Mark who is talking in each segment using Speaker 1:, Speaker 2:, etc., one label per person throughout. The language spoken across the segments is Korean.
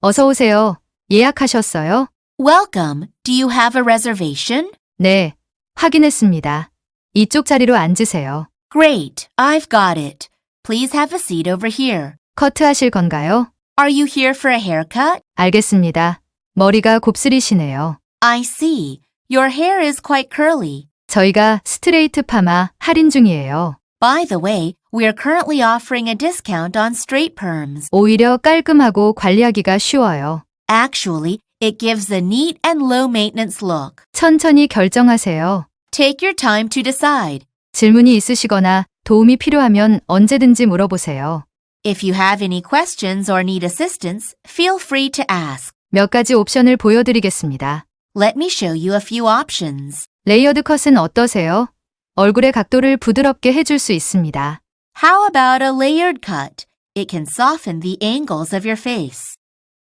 Speaker 1: 어서 오세요. 예약하셨어요?
Speaker 2: Welcome. Do you have a reservation?
Speaker 1: 네, 확인했습니다. 이쪽 자리로 앉으세요.
Speaker 2: Great. I've got it. Please have a seat over here.
Speaker 1: 커트하실 건가요?
Speaker 2: Are you here for a haircut?
Speaker 1: 알겠습니다. 머리가 곱슬이시네요.
Speaker 2: I see. Your hair is quite curly.
Speaker 1: 저희가 스트레이트 파마 할인 중이에요.
Speaker 2: By the way, we are currently offering a discount on straight perms.
Speaker 1: 오히려 깔끔하고 관리하기가 쉬워요.
Speaker 2: Actually, it gives a neat and low maintenance look.
Speaker 1: 천천히 결정하세요.
Speaker 2: Take your time to decide.
Speaker 1: 질문이 있으시거나 도움이 필요하면 언제든지 물어보세요.
Speaker 2: If you have any questions or need assistance, feel free to ask.
Speaker 1: 몇 가지 옵션을 보여드리겠습니다.
Speaker 2: Let me show you a few options.
Speaker 1: 레이어드 컷은 어떠세요? 얼굴의 각도를 부드럽게 해줄 수 있습니다.
Speaker 2: How about a layered cut? It can soften the angles of your face.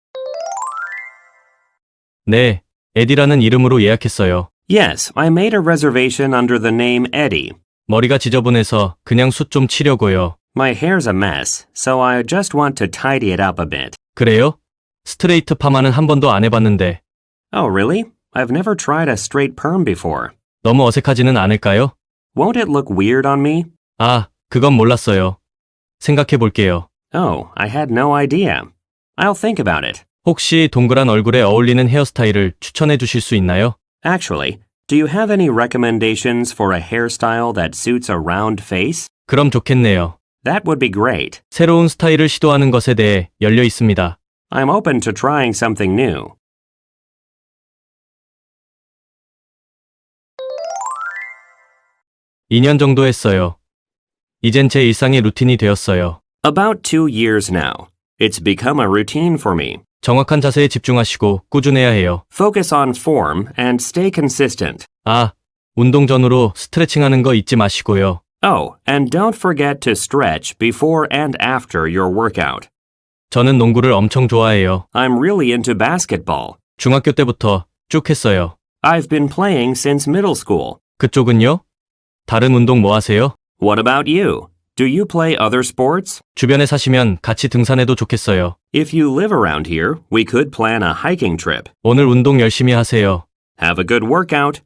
Speaker 3: 네, 에디라는 이름으로 예약했어요.
Speaker 4: Yes, I made a reservation under the name Eddie.
Speaker 3: 머리가 지저분해서 그냥 숱 좀 치려고요.
Speaker 4: My hair's a mess, so I just want to tidy it up a bit.
Speaker 3: 그래요? 스트레이트 파마는 한 번도 안 해봤는데
Speaker 4: Oh, really? I've never tried a straight perm before.
Speaker 3: 너무 어색하지는 않을까요?
Speaker 4: Won't it look weird on me?
Speaker 3: 아, 그건 몰랐어요. 생각해 볼게요.
Speaker 4: Oh, I had no idea. I'll think about it.
Speaker 3: 혹시 동그란 얼굴에 어울리는 헤어스타일을 추천해 주실 수 있나요?
Speaker 4: Actually, do you have any recommendations for a hairstyle that suits a round face?
Speaker 3: 그럼 좋겠네요.
Speaker 4: That would be great.
Speaker 3: 새로운 스타일을 시도하는 것에 대해 열려 있습니다.
Speaker 4: I'm open to trying something new.
Speaker 3: (2년) 정도 했어요. 이젠 제 일상의 루틴이 되었어요.
Speaker 4: About 2 years now. It's become a routine for me.
Speaker 3: 정확한 자세에 집중하시고 꾸준해야 해요.
Speaker 4: Focus on form and stay consistent.
Speaker 3: 아, 운동 전후로 스트레칭하는 거 잊지 마시고요.
Speaker 4: Oh, and don't forget to stretch before and after your workout.
Speaker 3: 저는 농구를 엄청 좋아해요.
Speaker 4: I'm really into basketball.
Speaker 3: 중학교 때부터 쭉 했어요.
Speaker 4: I've been playing since middle school.
Speaker 3: 그쪽은요? 다른 운동 뭐 하세요?
Speaker 4: What about you? Do you play other sports?
Speaker 3: 주변에 사시면 같이 등산해도 좋겠어요.
Speaker 4: If you live around here, we could plan a hiking trip.
Speaker 3: 오늘 운동 열심히 하세요.
Speaker 4: Have a good workout.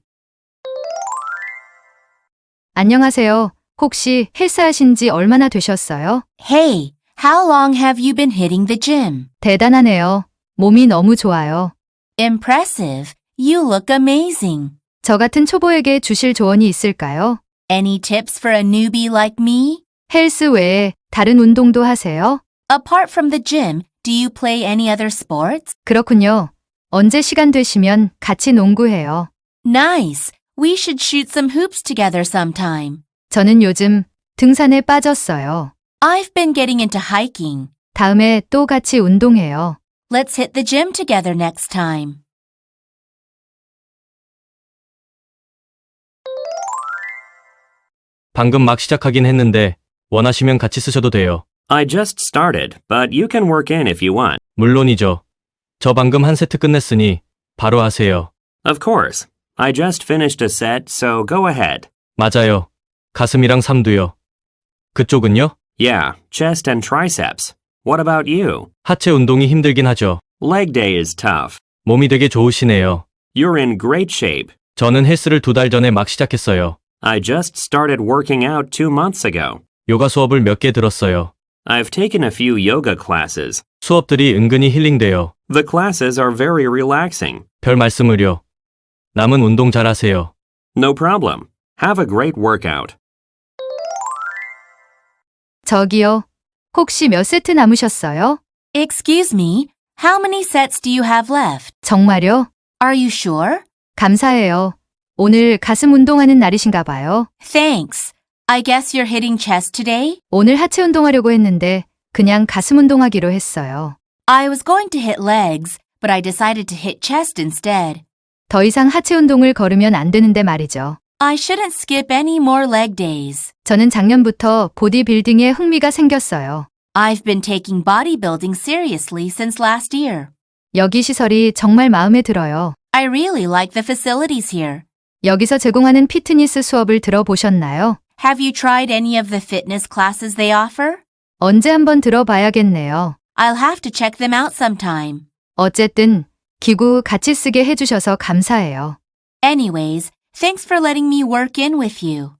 Speaker 1: 안녕하세요. 혹시 헬스하신 지 얼마나 되셨어요?
Speaker 2: Hey, how long have you been hitting the gym?
Speaker 1: 대단하네요. 몸이 너무 좋아요.
Speaker 2: Impressive. You look amazing.
Speaker 1: 저 같은 초보에게 주실 조언이 있을까요?
Speaker 2: Any tips for a newbie like me?
Speaker 1: 헬스 외에 다른 운동도 하세요?
Speaker 2: Apart from the gym, do you play any other sports?
Speaker 1: 그렇군요. 언제 시간 되시면 같이 농구해요.
Speaker 2: Nice. We should shoot some hoops together sometime.
Speaker 1: 저는 요즘 등산에 빠졌어요.
Speaker 2: I've been getting into hiking.
Speaker 1: 다음에 또 같이 운동해요.
Speaker 2: Let's hit the gym together next time.
Speaker 3: 방금 막 시작하긴 했는데 원하시면 같이 쓰셔도 돼요.
Speaker 4: I just started, but you can work in if you want.
Speaker 3: 물론이죠. 저 방금 한 세트 끝냈으니 바로 하세요.
Speaker 4: Of course. I just finished a set, so go ahead.
Speaker 3: 맞아요. 가슴이랑 삼두요. 그쪽은요?
Speaker 4: Yeah, chest and triceps. What about you?
Speaker 3: 하체 운동이 힘들긴 하죠.
Speaker 4: Leg day is tough.
Speaker 3: 몸이 되게 좋으시네요.
Speaker 4: You're in great shape.
Speaker 3: 저는 헬스를 2달 전에 막 시작했어요.
Speaker 4: I just started working out 2 months ago.
Speaker 3: 요가 수업을 몇 개 들었어요.
Speaker 4: I've taken a few yoga classes.
Speaker 3: 수업들이 은근히 힐링돼요.
Speaker 4: The classes are very relaxing.
Speaker 3: 별 말씀을요. 남은 운동 잘하세요.
Speaker 4: No problem. Have a great workout.
Speaker 1: 저기요. 혹시 몇 세트 남으셨어요?
Speaker 2: Excuse me, how many sets do you have left?
Speaker 1: 정말요?
Speaker 2: Are you sure?
Speaker 1: 감사해요. 오늘 가슴 운동하는 날이신가 봐요.
Speaker 2: Thanks. I guess you're hitting chest today?
Speaker 1: 오늘 하체 운동하려고 했는데 그냥 가슴 운동하기로 했어요.
Speaker 2: I was going to hit legs, but I decided to hit chest instead.
Speaker 1: 더 이상 하체 운동을 걸으면 안 되는데 말이죠.
Speaker 2: I shouldn't skip any more leg days.
Speaker 1: 저는 작년부터 보디빌딩에 흥미가 생겼어요.
Speaker 2: I've been taking bodybuilding seriously since last year.
Speaker 1: 여기 시설이 정말 마음에 들어요.
Speaker 2: I really like the facilities here.
Speaker 1: 여기서 제공하는 피트니스 수업을 들어보셨나요?
Speaker 2: Have you tried any of the fitness classes they offer?
Speaker 1: 언제 한번 들어봐야겠네요.
Speaker 2: I'll have to check them out sometime.
Speaker 1: 어쨌든 기구 같이 쓰게 해주셔서 감사해요.
Speaker 2: Anyways, thanks for letting me work in with you.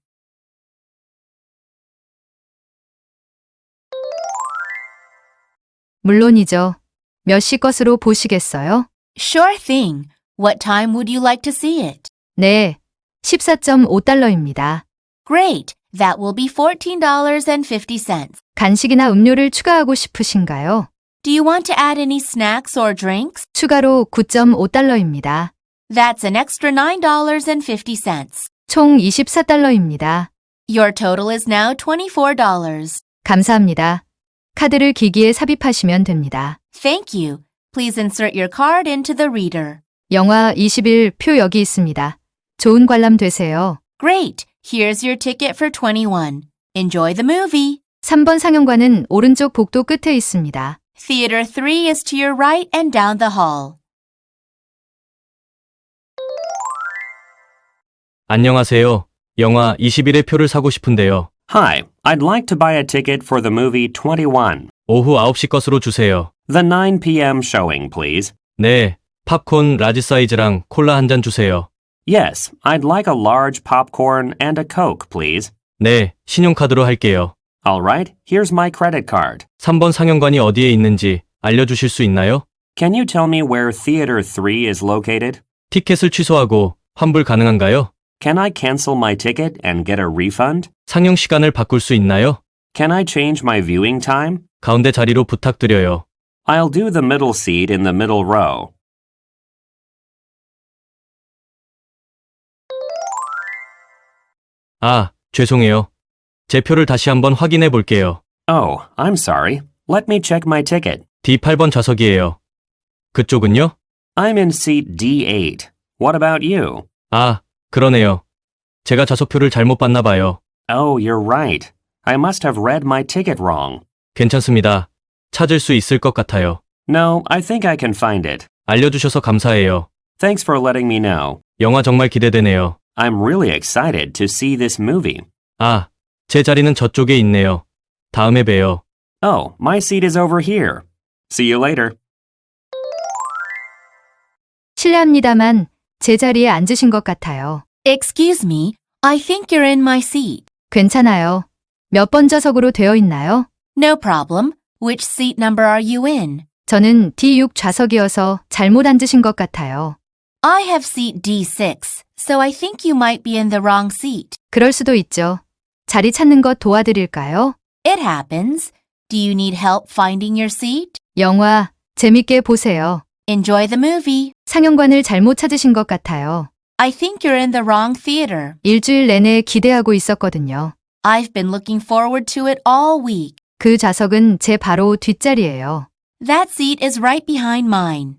Speaker 1: 물론이죠. 몇 시 것으로 보시겠어요?
Speaker 2: Sure thing. What time would you like to see it?
Speaker 1: 네, 14.5달러입니다.
Speaker 2: Great. That will be $14.50.
Speaker 1: 간식이나 음료를 추가하고 싶으신가요?
Speaker 2: Do you want to add any snacks or drinks?
Speaker 1: 추가로 9.5달러입니다.
Speaker 2: That's an extra $9.50.
Speaker 1: 총 24달러입니다.
Speaker 2: Your total is now $24.
Speaker 1: 감사합니다. 카드를 기기에 삽입하시면 됩니다.
Speaker 2: Thank you. Please insert your card into the reader.
Speaker 1: 영화 20일 표 여기 있습니다. 좋은 관람 되세요.
Speaker 2: Great. Here's your ticket for 21. Enjoy the movie.
Speaker 1: 3번 상영관은 오른쪽 복도 끝에 있습니다.
Speaker 2: Theater 3 is to your right and down the hall.
Speaker 3: 안녕하세요. 영화 21의 표를 사고 싶은데요.
Speaker 4: Hi, I'd like to buy a ticket for the movie 21.
Speaker 3: 오후 9시 것으로 주세요.
Speaker 4: The 9 p.m. showing, please.
Speaker 3: 네, 팝콘 라지 사이즈랑 콜라 한 잔 주세요.
Speaker 4: Yes, I'd like a large popcorn and a Coke, please.
Speaker 3: 네, 신용카드로 할게요.
Speaker 4: All right, here's my credit card.
Speaker 3: 3번 상영관이 어디에 있는지 알려주실 수 있나요?
Speaker 4: Can you tell me where Theater 3 is located?
Speaker 3: 티켓을 취소하고 환불 가능한가요?
Speaker 4: Can I cancel my ticket and get a refund?
Speaker 3: 상영 시간을 바꿀 수 있나요?
Speaker 4: Can I change my viewing time?
Speaker 3: 가운데 자리로 부탁드려요.
Speaker 4: I'll do the middle seat in the middle row.
Speaker 3: 아, 죄송해요. 제 표를 다시 한번 확인해 볼게요.
Speaker 4: Oh, I'm sorry. Let me check my ticket.
Speaker 3: D8번 좌석이에요. 그쪽은요?
Speaker 4: I'm in seat D8. What about you?
Speaker 3: 아, 그러네요. 제가 좌석표를 잘못 봤나 봐요.
Speaker 4: Oh, you're right. I must have read my ticket wrong.
Speaker 3: 괜찮습니다. 찾을 수 있을 것 같아요.
Speaker 4: No, I think I can find it.
Speaker 3: 알려주셔서 감사해요.
Speaker 4: Thanks for letting me know.
Speaker 3: 영화 정말 기대되네요.
Speaker 4: I'm really excited to see this movie.
Speaker 3: 아, 제 자리는 저쪽에 있네요. 다음에 봬요.
Speaker 4: Oh, my seat is over here. See you later.
Speaker 1: 실례합니다만 제 자리에 앉으신 것 같아요.
Speaker 2: Excuse me. I think you're in my seat.
Speaker 1: 괜찮아요. 몇 번 좌석으로 되어 있나요?
Speaker 2: No problem. Which seat number are you in?
Speaker 1: 저는 D6 좌석이어서 잘못 앉으신 것 같아요.
Speaker 2: I have seat D6, so I think you might be in the wrong seat.
Speaker 1: 그럴 수도 있죠. 자리 찾는 것 도와드릴까요?
Speaker 2: It happens. Do you need help finding your seat?
Speaker 1: 영화 재밌게 보세요.
Speaker 2: Enjoy the movie.
Speaker 1: 상영관을 잘못 찾으신 것 같아요.
Speaker 2: I think you're in the wrong theater.
Speaker 1: 일주일 내내 기대하고 있었거든요.
Speaker 2: I've been looking forward to it all week.
Speaker 1: 그 좌석은 제 바로 뒷자리예요.
Speaker 2: That seat is right behind mine.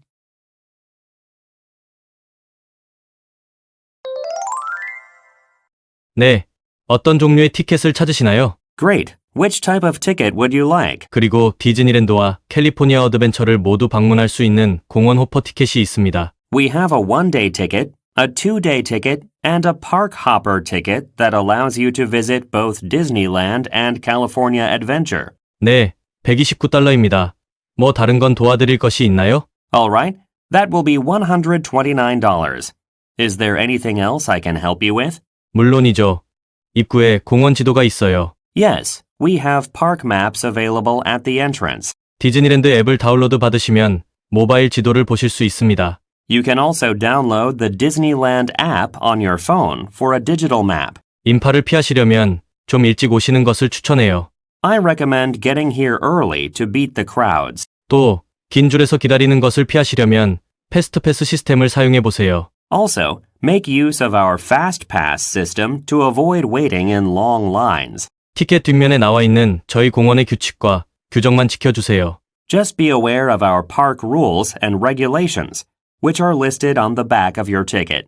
Speaker 3: 네, 어떤 종류의 티켓을 찾으시나요?
Speaker 4: Great. Which type of ticket would you like?
Speaker 3: 그리고 디즈니랜드와 캘리포니아 어드벤처를 모두 방문할 수 있는 공원 호퍼 티켓이 있습니다.
Speaker 4: We have a one-day ticket, a two-day ticket, and a park hopper ticket that allows you to visit both Disneyland and California Adventure.
Speaker 3: 네, 129달러입니다. 뭐 다른 건 도와드릴 것이 있나요?
Speaker 4: All right, that will be $129. Is there anything else I can help you with?
Speaker 3: 물론이죠. 입구에 공원 지도가 있어요.
Speaker 4: Yes, we have park maps available at the entrance.
Speaker 3: 디즈니랜드 앱을 다운로드 받으시면 모바일 지도를 보실 수 있습니다.
Speaker 4: You can also download the Disneyland app on your phone for a digital map.
Speaker 3: 인파를 피하시려면 좀 일찍 오시는 것을 추천해요.
Speaker 4: I recommend getting here early to beat the crowds.
Speaker 3: 또, 긴 줄에서 기다리는 것을 피하시려면 패스트패스 시스템을 사용해 보세요.
Speaker 4: Also, make use of our Fast Pass system to avoid waiting in long lines.
Speaker 3: 티켓 뒷면에 나와 있는 저희 공원의 규칙과 규정만 지켜주세요.
Speaker 4: Just be aware of our park rules and regulations, which are listed on the back of your ticket.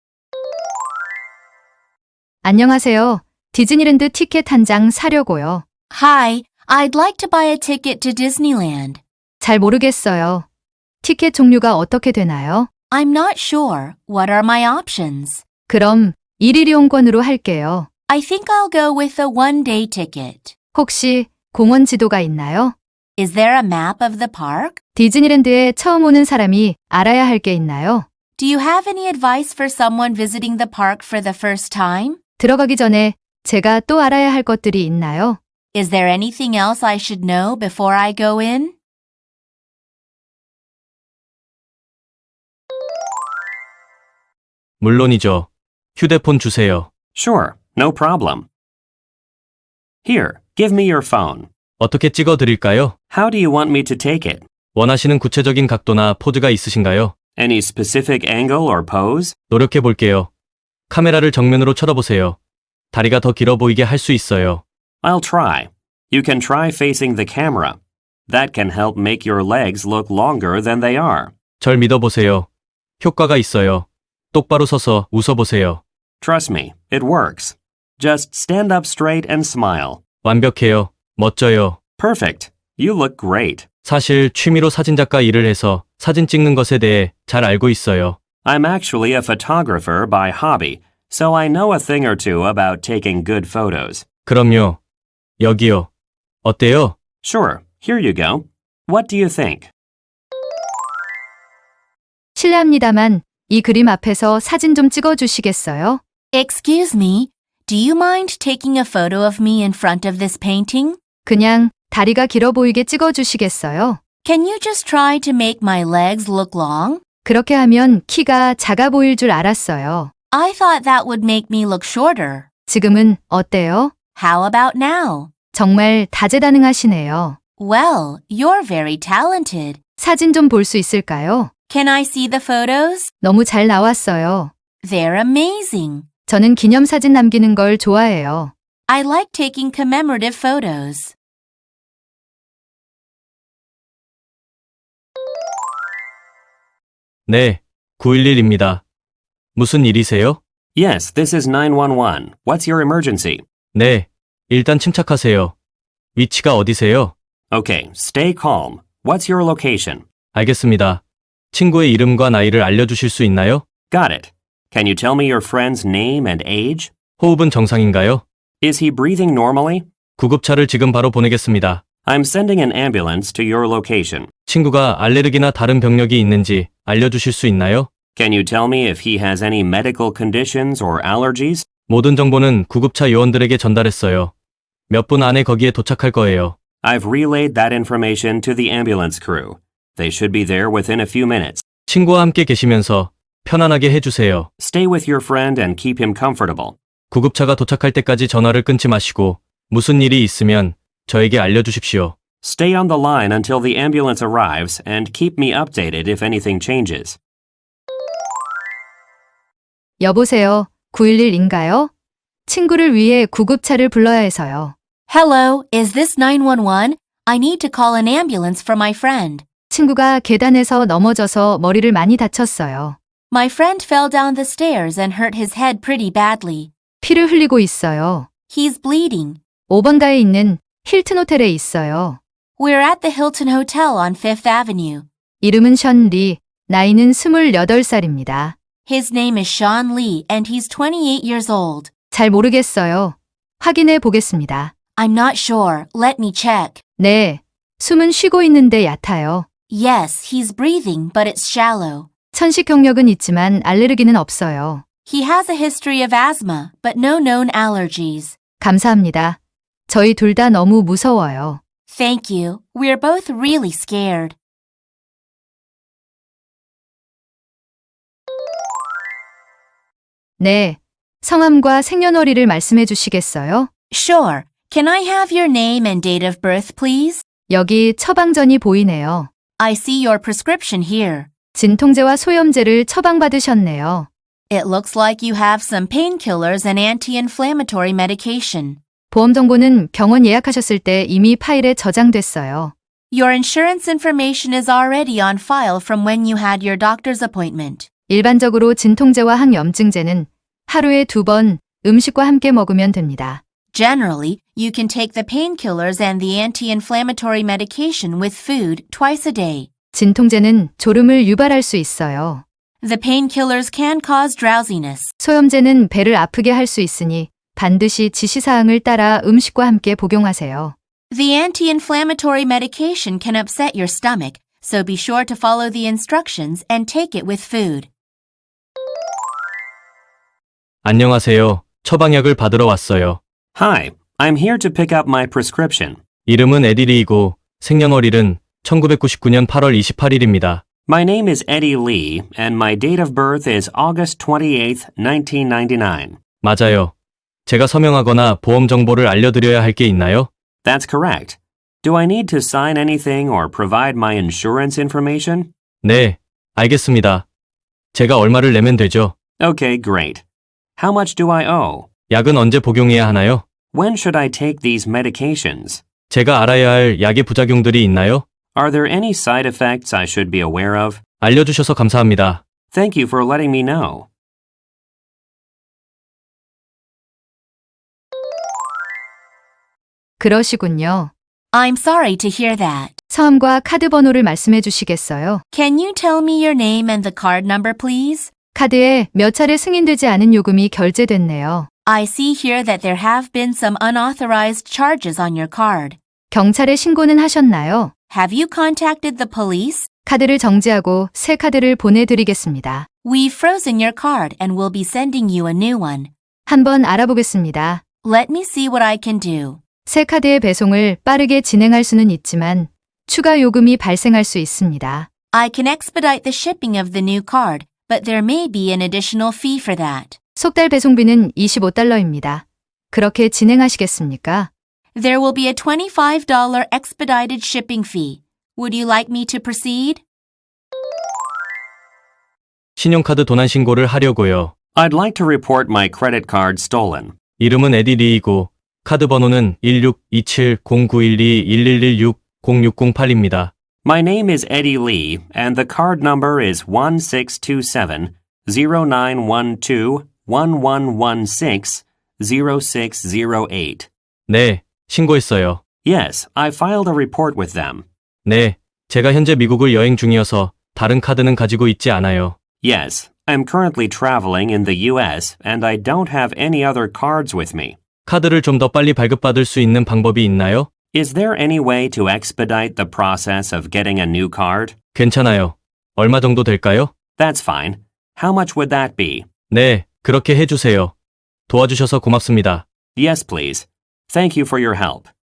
Speaker 1: 안녕하세요. 디즈니랜드 티켓 한 장 사려고요.
Speaker 2: Hi, I'd like to buy a ticket to Disneyland.
Speaker 1: 잘 모르겠어요. 티켓 종류가 어떻게 되나요?
Speaker 2: I'm not sure. What are my options?
Speaker 1: 그럼 일일 이용권으로 할게요.
Speaker 2: I think I'll go with a one-day ticket.
Speaker 1: 혹시 공원 지도가 있나요?
Speaker 2: Is there a map of the park?
Speaker 1: 디즈니랜드에 처음 오는 사람이 알아야 할 게 있나요?
Speaker 2: Do you have any advice for someone visiting the park for the first time?
Speaker 1: 들어가기 전에 제가 또 알아야 할 것들이 있나요?
Speaker 2: Is there anything else I should know before I go in?
Speaker 3: 물론이죠. 휴대폰 주세요.
Speaker 4: Sure, no problem. Here, give me your phone.
Speaker 3: 어떻게 찍어 드릴까요?
Speaker 4: How do you want me to take it?
Speaker 3: 원하시는 구체적인 각도나 포즈가 있으신가요?
Speaker 4: Any specific angle or pose?
Speaker 3: 노력해 볼게요. 카메라를 정면으로 쳐다보세요. 다리가 더 길어 보이게 할 수 있어요.
Speaker 4: I'll try. You can try facing the camera. That can help make your legs look longer than they are.
Speaker 3: 절 믿어보세요. 효과가 있어요. 똑바로 서서 웃어보세요.
Speaker 4: Trust me, it works. Just stand up straight and smile.
Speaker 3: 완벽해요. 멋져요.
Speaker 4: Perfect. You look great.
Speaker 3: 사실 취미로 사진작가 일을 해서 사진 찍는 것에 대해 잘 알고 있어요.
Speaker 4: I'm actually a photographer by hobby, so I know a thing or two about taking good photos.
Speaker 3: 그럼요. 여기요. 어때요?
Speaker 4: Sure, here you go. What do you think?
Speaker 1: 실례합니다만 이 그림 앞에서 사진 좀 찍어 주시겠어요?
Speaker 2: Excuse me, do you mind taking a photo of me in front of this painting?
Speaker 1: 그냥 다리가 길어 보이게 찍어 주시겠어요?
Speaker 2: Can you just try to make my legs look long?
Speaker 1: 그렇게 하면 키가 작아 보일 줄 알았어요.
Speaker 2: I thought that would make me look shorter.
Speaker 1: 지금은 어때요?
Speaker 2: How about now?
Speaker 1: 정말 다재다능하시네요.
Speaker 2: Well, you're very talented.
Speaker 1: 사진 좀 볼 수 있을까요?
Speaker 2: Can I see the photos?
Speaker 1: 너무 잘 나왔어요.
Speaker 2: They're amazing.
Speaker 1: 저는 기념사진 남기는 걸 좋아해요.
Speaker 2: I like taking commemorative photos.
Speaker 3: 네, 911입니다. 무슨 일이세요?
Speaker 4: Yes, this is 911. What's your emergency?
Speaker 3: 네, 일단 침착하세요. 위치가 어디세요?
Speaker 4: Okay, stay calm. What's your location?
Speaker 3: 알겠습니다. 친구의 이름과 나이를 알려주실 수 있나요?
Speaker 4: Got it. Can you tell me your friend's name and age?
Speaker 3: 호흡은 정상인가요?
Speaker 4: Is he breathing normally?
Speaker 3: 구급차를 지금 바로 보내겠습니다.
Speaker 4: I'm sending an ambulance to your location.
Speaker 3: 친구가 알레르기나 다른 병력이 있는지 알려주실 수 있나요?
Speaker 4: Can you tell me if he has any medical conditions or allergies?
Speaker 3: 모든 정보는 구급차 요원들에게 전달했어요. 몇 분 안에 거기에 도착할 거예요.
Speaker 4: I've relayed that information to the ambulance crew. They should be there within a few minutes.
Speaker 3: 친구와 함께 계시면서 편안하게 해주세요.
Speaker 4: Stay with your friend and keep him comfortable.
Speaker 3: 구급차가 도착할 때까지 전화를 끊지 마시고 무슨 일이 있으면 저에게 알려주십시오.
Speaker 4: Stay on the line until the ambulance arrives and keep me updated if anything changes.
Speaker 1: 여보세요. 911인가요? 친구를 위해 구급차를 불러야 해서요.
Speaker 2: Hello, is this 911? I need to call an ambulance for my friend.
Speaker 1: 친구가 계단에서 넘어져서 머리를 많이 다쳤어요.
Speaker 2: My friend fell down the stairs and hurt his head pretty badly.
Speaker 1: 피를 흘리고 있어요.
Speaker 2: He's bleeding.
Speaker 1: 5번가에 있는 힐튼 호텔에 있어요.
Speaker 2: We're at the Hilton Hotel on Fifth Avenue.
Speaker 1: 이름은 션 리, 나이는 28살입니다.
Speaker 2: His name is Sean Lee and he's 28 years old.
Speaker 1: 잘 모르겠어요. 확인해 보겠습니다.
Speaker 2: I'm not sure. Let me check.
Speaker 1: 네, 숨은 쉬고 있는데 얕아요.
Speaker 2: Yes, he's breathing, but it's shallow.
Speaker 1: 천식 경력은 있지만 알레르기는 없어요.
Speaker 2: He has a history of asthma, but no known allergies.
Speaker 1: 감사합니다. 저희 둘 다 너무 무서워요.
Speaker 2: Thank you. We're both really scared.
Speaker 1: 네, 성함과 생년월일을 말씀해 주시겠어요?
Speaker 2: Sure. Can I have your name and date of birth, please?
Speaker 1: 여기 처방전이 보이네요.
Speaker 2: I see your prescription here.
Speaker 1: 진통제와 소염제를 처방받으셨네요.
Speaker 2: It looks like you have some painkillers and anti-inflammatory medication.
Speaker 1: 보험 정보는 병원 예약하셨을 때 이미 파일에 저장됐어요.
Speaker 2: Your insurance information is already on file from when you had your doctor's appointment.
Speaker 1: 일반적으로 진통제와 항염증제는 하루에 2번 음식과 함께 먹으면 됩니다.
Speaker 2: Generally, you can take the painkillers and the anti-inflammatory medication with food twice a day.
Speaker 1: 진통제는 졸음을 유발할 수 있어요.
Speaker 2: The painkillers can cause drowsiness.
Speaker 1: 소염제는 배를 아프게 할 수 있으니 반드시 지시사항을 따라 음식과 함께 복용하세요.
Speaker 2: The anti-inflammatory medication can upset your stomach, so be sure to follow the instructions and take it with food.
Speaker 3: 안녕하세요. 처방약을 받으러 왔어요.
Speaker 4: Hi, I'm here to pick up my prescription.
Speaker 3: 이름은 에디리이고 생년월일은 1999년 8월 28일입니다.
Speaker 4: My name is Eddie Lee, and my date of birth is August 28th, 1999.
Speaker 3: 맞아요. 제가 서명하거나 보험 정보를 알려드려야 할 게 있나요?
Speaker 4: That's correct. Do I need to sign anything or provide my insurance information?
Speaker 3: 네, 알겠습니다. 제가 얼마를 내면 되죠?
Speaker 4: Okay, great. How much do I owe?
Speaker 3: 약은 언제 복용해야 하나요?
Speaker 4: When should I take these medications?
Speaker 3: 제가 알아야 할 약의 부작용들이 있나요?
Speaker 4: Are there any side effects I should be aware of?
Speaker 3: 알려주셔서 감사합니다.
Speaker 4: Thank you for letting me know.
Speaker 1: 그러시군요.
Speaker 2: I'm sorry to hear that.
Speaker 1: 성함과 카드 번호를 말씀해 주시겠어요?
Speaker 2: Can you tell me your name and the card number, please?
Speaker 1: 카드에 몇 차례 승인되지 않은 요금이 결제됐네요.
Speaker 2: I see here that there have been some unauthorized charges on your card.
Speaker 1: 경찰에 신고는 하셨나요?
Speaker 2: Have you contacted the police?
Speaker 1: 카드를 정지하고 새 카드를 보내드리겠습니다.
Speaker 2: We've frozen your card and will be sending you a new one.
Speaker 1: 한번 알아보겠습니다.
Speaker 2: Let me see what I can do.
Speaker 1: 새 카드의 배송을 빠르게 진행할 수는 있지만 추가 요금이 발생할 수 있습니다.
Speaker 2: I can expedite the shipping of the new card, but there may be an additional fee for that.
Speaker 1: 속달 배송비는 $25입니다. 그렇게 진행하시겠습니까?
Speaker 2: There will be a $25 expedited shipping fee. Would you like me to proceed?
Speaker 3: 신용카드 도난 신고를 하려고요.
Speaker 4: I'd like to report my credit card stolen.
Speaker 3: 이름은 에디리이고 카드 번호는 1627-0912-1116-0608입니다.
Speaker 4: My name is Eddie Lee, and the card number is 1627-0912-1116-0608.
Speaker 3: 네, 신고했어요.
Speaker 4: Yes, I filed a report with them.
Speaker 3: 네, 제가 현재 미국을 여행 중이어서 다른 카드는 가지고 있지 않아요.
Speaker 4: Yes, I'm currently traveling in the US, and I don't have any other cards with me.
Speaker 3: 카드를 좀 더 빨리 발급받을 수 있는 방법이 있나요?
Speaker 4: Is there any way to expedite the process of getting a new card?
Speaker 3: 괜찮아요. 얼마 정도 될까요?
Speaker 4: That's fine. How much would that be?
Speaker 3: 네, 그렇게 해주세요. 도와주셔서 고맙습니다.
Speaker 4: Yes, please. Thank you for your help.